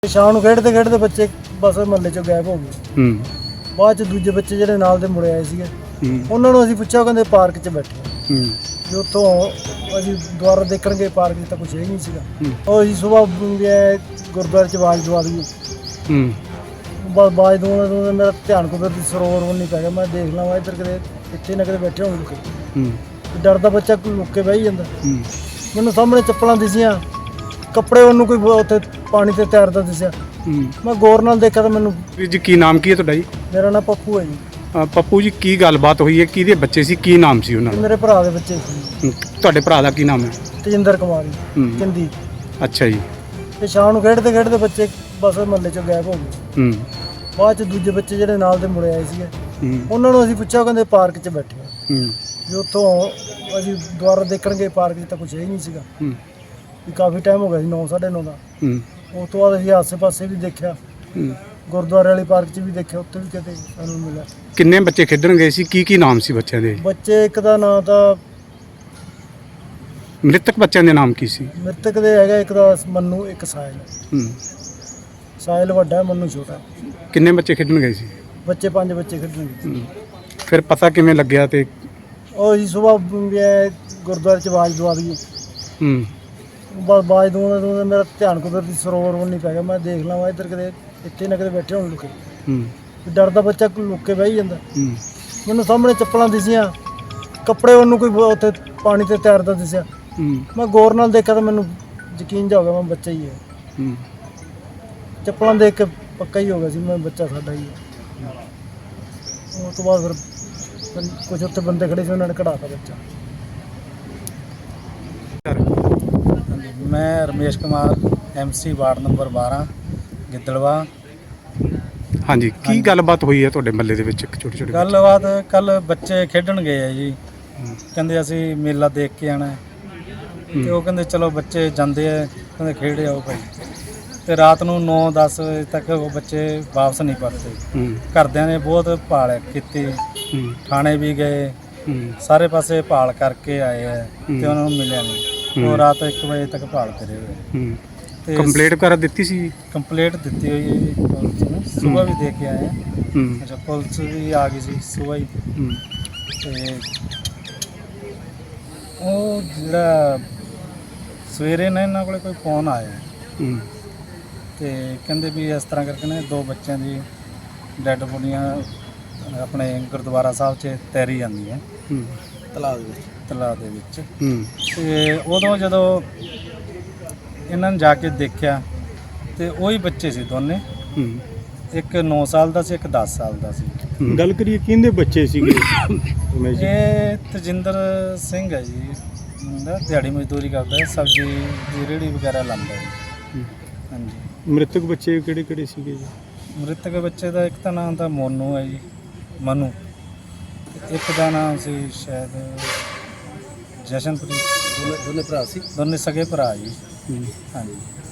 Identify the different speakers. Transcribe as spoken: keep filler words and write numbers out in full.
Speaker 1: ਸ਼ਾਮ ਨੂੰ ਖੇਡਦੇ ਖੇਡਦੇ ਬੱਚੇ ਬਸ ਮਹੱਲੇ ਚੋਂ ਗਾਇਬ ਹੋ ਗਏ।
Speaker 2: ਹੂੰ
Speaker 1: ਬਾਅਦ ਚ ਦੂਜੇ ਬੱਚੇ ਜਿਹੜੇ ਨਾਲ ਦੇ ਮੁੰਡੇ ਆਏ ਸੀਗੇ
Speaker 2: ਹੂੰ
Speaker 1: ਉਹਨਾਂ ਨੂੰ ਅਸੀਂ ਪੁੱਛਿਆ, ਉਹ ਕਹਿੰਦੇ ਪਾਰਕ 'ਚ ਬੈਠੇ ਆ।
Speaker 2: ਹੂੰ
Speaker 1: ਵੀ ਉੱਥੋਂ ਅਸੀਂ ਦੁਬਾਰਾ ਦੇਖਣ ਗਏ, ਪਾਰਕ 'ਚ ਤਾਂ ਕੁਛ ਹੈ ਹੀ ਨਹੀਂ ਸੀਗਾ।
Speaker 2: ਹੂੰ
Speaker 1: ਉਹ ਅਸੀਂ ਸੁਬਾਹ ਗੁਰਦੁਆਰੇ 'ਚ ਆਵਾਜ਼ ਦਵਾ ਦਈਏ,
Speaker 2: ਹੂੰ
Speaker 1: ਬਸ ਆਵਾਜ਼ ਦਵਾਉਂਦੇ ਦਵਾਉਂਦੇ ਮੇਰਾ ਧਿਆਨ ਕੁਦਰਤੀ ਸਰੋਵਰ ਵੱਲ ਨਹੀਂ ਪੈ ਗਿਆ। ਮੈਂ ਦੇਖ ਲਵਾਂ ਇੱਧਰ ਕਿਤੇ ਇੱਥੇ ਨਾ ਕਿਤੇ ਬੈਠੇ ਹੋਣ ਲੁਕੇ।
Speaker 2: ਹੂੰ
Speaker 1: ਡਰਦਾ ਬੱਚਾ ਕੋਈ ਲੁੱਕ ਕੇ ਬਹਿ ਜਾਂਦਾ।
Speaker 2: ਹੂੰ
Speaker 1: ਮੈਨੂੰ ਸਾਹਮਣੇ ਚੱਪਲਾਂ ਦਿਸੀਆਂ, ਕੱਪੜੇ ਉਹਨੂੰ ਕੋਈ ਉੱਥੇ ਪਾਣੀ ਤੇ ਤੈਰਦਾ ਦਿਸਿਆ।
Speaker 2: ਹੂੰ
Speaker 1: ਮੈਂ ਗੌਰ ਨਾਲ ਦੇਖਿਆ ਤਾਂ ਮੈਨੂੰ।
Speaker 2: ਵੀਰ ਜੀ ਕੀ ਨਾਮ ਕੀ ਹੈ ਤੁਹਾਡਾ ਜੀ?
Speaker 1: ਮੇਰਾ ਨਾਂ ਪੱਪੂ ਹੈ ਜੀ।
Speaker 2: ਅ, ਪੱਪੂ ਜੀ ਕੀ ਗੱਲਬਾਤ ਹੋਈ ਹੈ? ਕਿਹਦੇ ਬੱਚੇ ਸੀ? ਕੀ ਨਾਮ ਸੀ ਉਹਨਾਂ
Speaker 1: ਇਹ
Speaker 2: ਦਾ?
Speaker 1: ਮੇਰੇ ਭਰਾ ਦੇ ਬੱਚੇ ਸੀ,
Speaker 2: ਹੂੰ, ਤੁਹਾਡੇ ਭਰਾ ਦਾ ਕੀ ਨਾਮ ਹੈ?
Speaker 1: ਤੇਜਿੰਦਰ ਕੁਮਾਰ ਜੀ,
Speaker 2: ਹੂੰ
Speaker 1: ਚੰਦੀ।
Speaker 2: ਅੱਛਾ ਜੀ।
Speaker 1: ਤੇ ਸ਼ਾਮ ਨੂੰ ਖੇਡਦੇ ਖੇਡਦੇ ਬੱਚੇ ਬਸ ਮਹੱਲੇ ਚੋਂ ਗਾਇਬ ਹੋ ਗਏ।
Speaker 2: ਹੂੰ
Speaker 1: ਬਾਅਦ ਚ ਦੂਜੇ ਬੱਚੇ ਜਿਹੜੇ ਨਾਲ ਦੇ ਮੁੰਡੇ ਆਏ ਸੀਗੇ
Speaker 2: ਹੂੰ
Speaker 1: ਉਹਨਾਂ ਨੂੰ ਅਸੀਂ ਪੁੱਛਿਆ, ਉਹ ਕਹਿੰਦੇ ਪਾਰਕ 'ਚ ਬੈਠੇ ਆ।
Speaker 2: ਹੂੰ
Speaker 1: ਵੀ ਉੱਥੋਂ ਅਸੀਂ ਦੁਬਾਰਾ ਦੇਖਣ ਗਏ, ਪਾਰਕ 'ਚ ਤਾਂ ਕੁਛ ਹੈ ਹੀ ਨਹੀਂ ਸੀਗਾ।
Speaker 2: ਹੂੰ
Speaker 1: ਵੀ ਕਾਫੀ ਟਾਈਮ ਹੋ ਗਿਆ ਸੀ, ਨੌ ਸਾਢੇ ਨੌ ਦਾ।
Speaker 2: ਹੂੰ
Speaker 1: ਉਸ ਤੋਂ ਬਾਅਦ ਅਸੀਂ ਆਸੇ ਪਾਸੇ ਵੀ ਦੇਖਿਆ,
Speaker 2: ਹੂੰ।
Speaker 1: ਗੁਰਦੁਆਰੇ ਵਾਲੀ ਪਾਰਕ 'ਚ ਵੀ ਦੇਖਿਆ, ਉੱਥੇ ਵੀ ਕਿਤੇ ਸਾਨੂੰ ਮਿਲਿਆ।
Speaker 2: ਕਿੰਨੇ ਬੱਚੇ ਖੇਡਣ ਗਏ ਸੀ? ਕੀ ਕੀ ਨਾਮ ਸੀ ਬੱਚਿਆਂ ਦੇ?
Speaker 1: ਬੱਚੇ ਇੱਕ ਦਾ ਨਾਂ ਤਾਂ
Speaker 2: ਮ੍ਰਿਤਕ ਬੱਚਿਆਂ ਦੇ ਨਾਮ ਕੀ ਸੀ?
Speaker 1: ਮ੍ਰਿਤਕ ਦੇ ਹੈਗਾ, ਇੱਕ ਦਾ ਮੰਨੂ, ਇੱਕ ਸਾਹਿਲ।
Speaker 2: ਹੂੰ
Speaker 1: ਸਾਹਿਲ ਵੱਡਾ ਹੈ, ਮੰਨੂ ਛੋਟਾ।
Speaker 2: ਕਿੰਨੇ ਬੱਚੇ ਖੇਡਣ ਗਏ ਸੀ?
Speaker 1: ਬੱਚੇ ਪੰਜ ਬੱਚੇ ਖੇਡਣਗੇ।
Speaker 2: ਹੂੰ। ਫਿਰ ਪਤਾ ਕਿਵੇਂ ਲੱਗਿਆ? ਤੇ
Speaker 1: ਉਹ ਅਸੀਂ ਸੁਬਾਹ ਗੁਰਦੁਆਰੇ 'ਚ ਆਵਾਜ਼ ਦਵਾ ਦਈਏ,
Speaker 2: ਹੂੰ
Speaker 1: ਬਸ ਆਵਾਜ਼ ਦਵਾਉਂਦੇ ਦਵਾਉਂਦੇ ਮੇਰਾ ਧਿਆਨ ਕੁਦਰਤੀ ਸਰੋਵਰ ਵੱਲ ਨਹੀਂ ਪੈ ਗਿਆ। ਮੈਂ ਦੇਖ ਲਵਾਂ ਇੱਧਰ ਕਿਤੇ ਇੱਥੇ ਨਾ ਕਿਤੇ ਬੈਠੇ ਹੋਣ ਲੁਕੇ।
Speaker 2: ਹੂੰ
Speaker 1: ਡਰਦਾ ਬੱਚਾ ਕੋਈ ਲੁੱਕ ਕੇ ਬਹਿ ਜਾਂਦਾ।
Speaker 2: ਹੂੰ
Speaker 1: ਮੈਨੂੰ ਸਾਹਮਣੇ ਚੱਪਲਾਂ ਦਿਸੀਆਂ, ਕੱਪੜੇ ਉਹਨੂੰ ਕੋਈ ਉੱਥੇ ਪਾਣੀ ਤੇ ਤੈਰਦਾ ਦਿਸਿਆ।
Speaker 2: ਹੂੰ
Speaker 1: ਮੈਂ ਗੌਰ ਨਾਲ ਦੇਖਿਆ ਤਾਂ ਮੈਨੂੰ ਯਕੀਨ ਜਾ ਹੋ ਗਿਆ, ਮੈਂ ਬੱਚਾ ਹੀ ਹੈ।
Speaker 2: ਹੂੰ
Speaker 1: ਚੱਪਲਾਂ ਦੇਖ ਕੇ ਪੱਕਾ ਹੀ ਹੋ ਗਿਆ ਸੀ ਮੈਂ ਬੱਚਾ ਸਾਡਾ ਹੀ ਹੈ। ਉਸ ਤੋਂ ਬਾਅਦ ਫਿਰ ਕੁਝ ਉੱਥੇ ਬੰਦੇ ਖੜੇ ਸੀ, ਉਹਨਾਂ ਨੇ ਕਢਾਤਾ ਬੱਚਾ।
Speaker 3: ਮੈਂ Ramesh Kumar, MC ward number ਬਾਰਾਂ, ਗਿੱਦੜਵਾ।
Speaker 2: ਹਾਂਜੀ, ਕੀ ਗੱਲਬਾਤ ਹੋਈ ਹੈ ਤੁਹਾਡੇ ਮਹੱਲੇ ਦੇ ਵਿੱਚ? ਇੱਕ ਛੋਟੇ ਛੋਟੇ
Speaker 3: ਗੱਲਬਾਤ ਕੱਲ ਬੱਚੇ ਖੇਡਣ ਗਏ ਆ ਜੀ, ਕਹਿੰਦੇ ਅਸੀਂ ਮੇਲਾ ਦੇਖ ਕੇ ਆਣਾ। ਤੇ ਉਹ ਕਹਿੰਦੇ ਚਲੋ ਬੱਚੇ ਜਾਂਦੇ ਆ, ਕਹਿੰਦੇ ਖੇਡ ਆਓ ਭਾਈ। ਤੇ ਰਾਤ ਨੂੰ ਨੌ ਦਸ ਵਜੇ ਤੱਕ ਉਹ ਬੱਚੇ ਵਾਪਸ ਨਹੀਂ ਪਰਤੇ।
Speaker 2: ਹੂੰ
Speaker 3: ਘਰਦਿਆਂ ਨੇ ਬਹੁਤ ਭਾਲ ਕੀਤੀ,
Speaker 2: ਹੂੰ
Speaker 3: ਥਾਣੇ ਵੀ ਗਏ,
Speaker 2: ਹੂੰ
Speaker 3: ਸਾਰੇ ਪਾਸੇ ਭਾਲ ਕਰਕੇ ਆਏ ਆ ਤੇ ਉਹਨਾਂ ਨੂੰ ਮਿਲਿਆ ਨਹੀਂ। ਉਹ ਰਾਤ ਇੱਕ ਵਜੇ ਤੱਕ ਭਾਲ ਕਰੇ ਹੋਏ।
Speaker 2: ਹੂੰ
Speaker 3: ਤੇ
Speaker 2: ਕੰਪਲੀਟ ਕਰ ਦਿੱਤੀ ਸੀ?
Speaker 3: ਕੰਪਲੀਟ ਦਿੱਤੀ ਹੋਈ ਹੈ ਜੀ ਪੁਲਿਸ ਨੂੰ, ਸੁਬਾਹ ਵੀ ਦੇ ਕੇ ਆਏ ਆ।
Speaker 2: ਹੂੰ
Speaker 3: ਅੱਛਾ, ਪੁਲਿਸ ਵੀ ਆ ਗਈ ਸੀ ਸੁਬਾਹ ਹੀ।
Speaker 2: ਹੂੰ
Speaker 3: ਤੇ ਉਹ ਜਿਹੜਾ ਸਵੇਰੇ ਨਾ ਇਹਨਾਂ ਕੋਲੇ ਕੋਈ ਫੋਨ ਆਇਆ
Speaker 2: ਹੂੰ
Speaker 3: ਤੇ ਕਹਿੰਦੇ ਵੀ ਇਸ ਤਰ੍ਹਾਂ ਕਰਕੇ ਨਾ ਦੋ ਬੱਚਿਆਂ ਦੀ ਡੈੱਡ ਬੋਡੀਆਂ ਆਪਣੇ ਗੁਰਦੁਆਰਾ ਸਾਹਿਬ 'ਚ ਤੈਰੀ ਜਾਂਦੀਆਂ
Speaker 2: ਹੂੰ
Speaker 3: ਤਲਾਅ ਦੇ ਵਿੱਚ ਤਲਾਅ ਦੇ ਵਿੱਚ।
Speaker 2: ਹੂੰ
Speaker 3: ਤੇ ਉਦੋਂ ਜਦੋਂ ਇਹਨਾਂ ਨੇ ਜਾ ਕੇ ਦੇਖਿਆ ਤੇ ਉਹੀ ਬੱਚੇ ਸੀ ਦੋਨੇ,
Speaker 2: ਹੂੰ
Speaker 3: ਇੱਕ ਨੌ ਸਾਲ ਦਾ ਸੀ, ਇੱਕ ਦਸ ਸਾਲ ਦਾ ਸੀ।
Speaker 2: ਹੂੰ।
Speaker 4: ਗੱਲ ਕਰੀਏ ਕਿਹਦੇ ਬੱਚੇ ਸੀਗੇ?
Speaker 3: ਇਹ ਤਜਿੰਦਰ ਸਿੰਘ ਹੈ ਜੀ, ਮੁੰਡਾ ਦਿਹਾੜੀ ਮਜ਼ਦੂਰੀ ਕਰਦਾ ਹੈ, ਸਬਜ਼ੀ ਦੀ ਰੇਹੜੀ ਵਗੈਰਾ ਲਾਉਂਦਾ ਹੈ।
Speaker 2: ਹੂੰ।
Speaker 3: ਹਾਂਜੀ।
Speaker 4: ਮ੍ਰਿਤਕ ਬੱਚੇ ਕਿਹੜੇ ਕਿਹੜੇ ਸੀਗੇ ਜੀ?
Speaker 3: ਮ੍ਰਿਤਕ ਬੱਚੇ ਦਾ ਇੱਕ ਤਾਂ ਨਾਮ ਤਾਂ ਮੋਨੂ ਹੈ ਜੀ, ਮਨੂ। ਤੇ ਇੱਕ ਦਾ ਨਾਮ ਸੀ ਸ਼ਾਇਦ ਜਸ਼ਨਪ੍ਰੀਤ। ਦੋਨੇ ਭਰਾ ਸੀ, ਦੋਨੇ ਸਗੇ ਭਰਾ ਜੀ।
Speaker 2: ਹੂੰ।
Speaker 3: ਹਾਂਜੀ।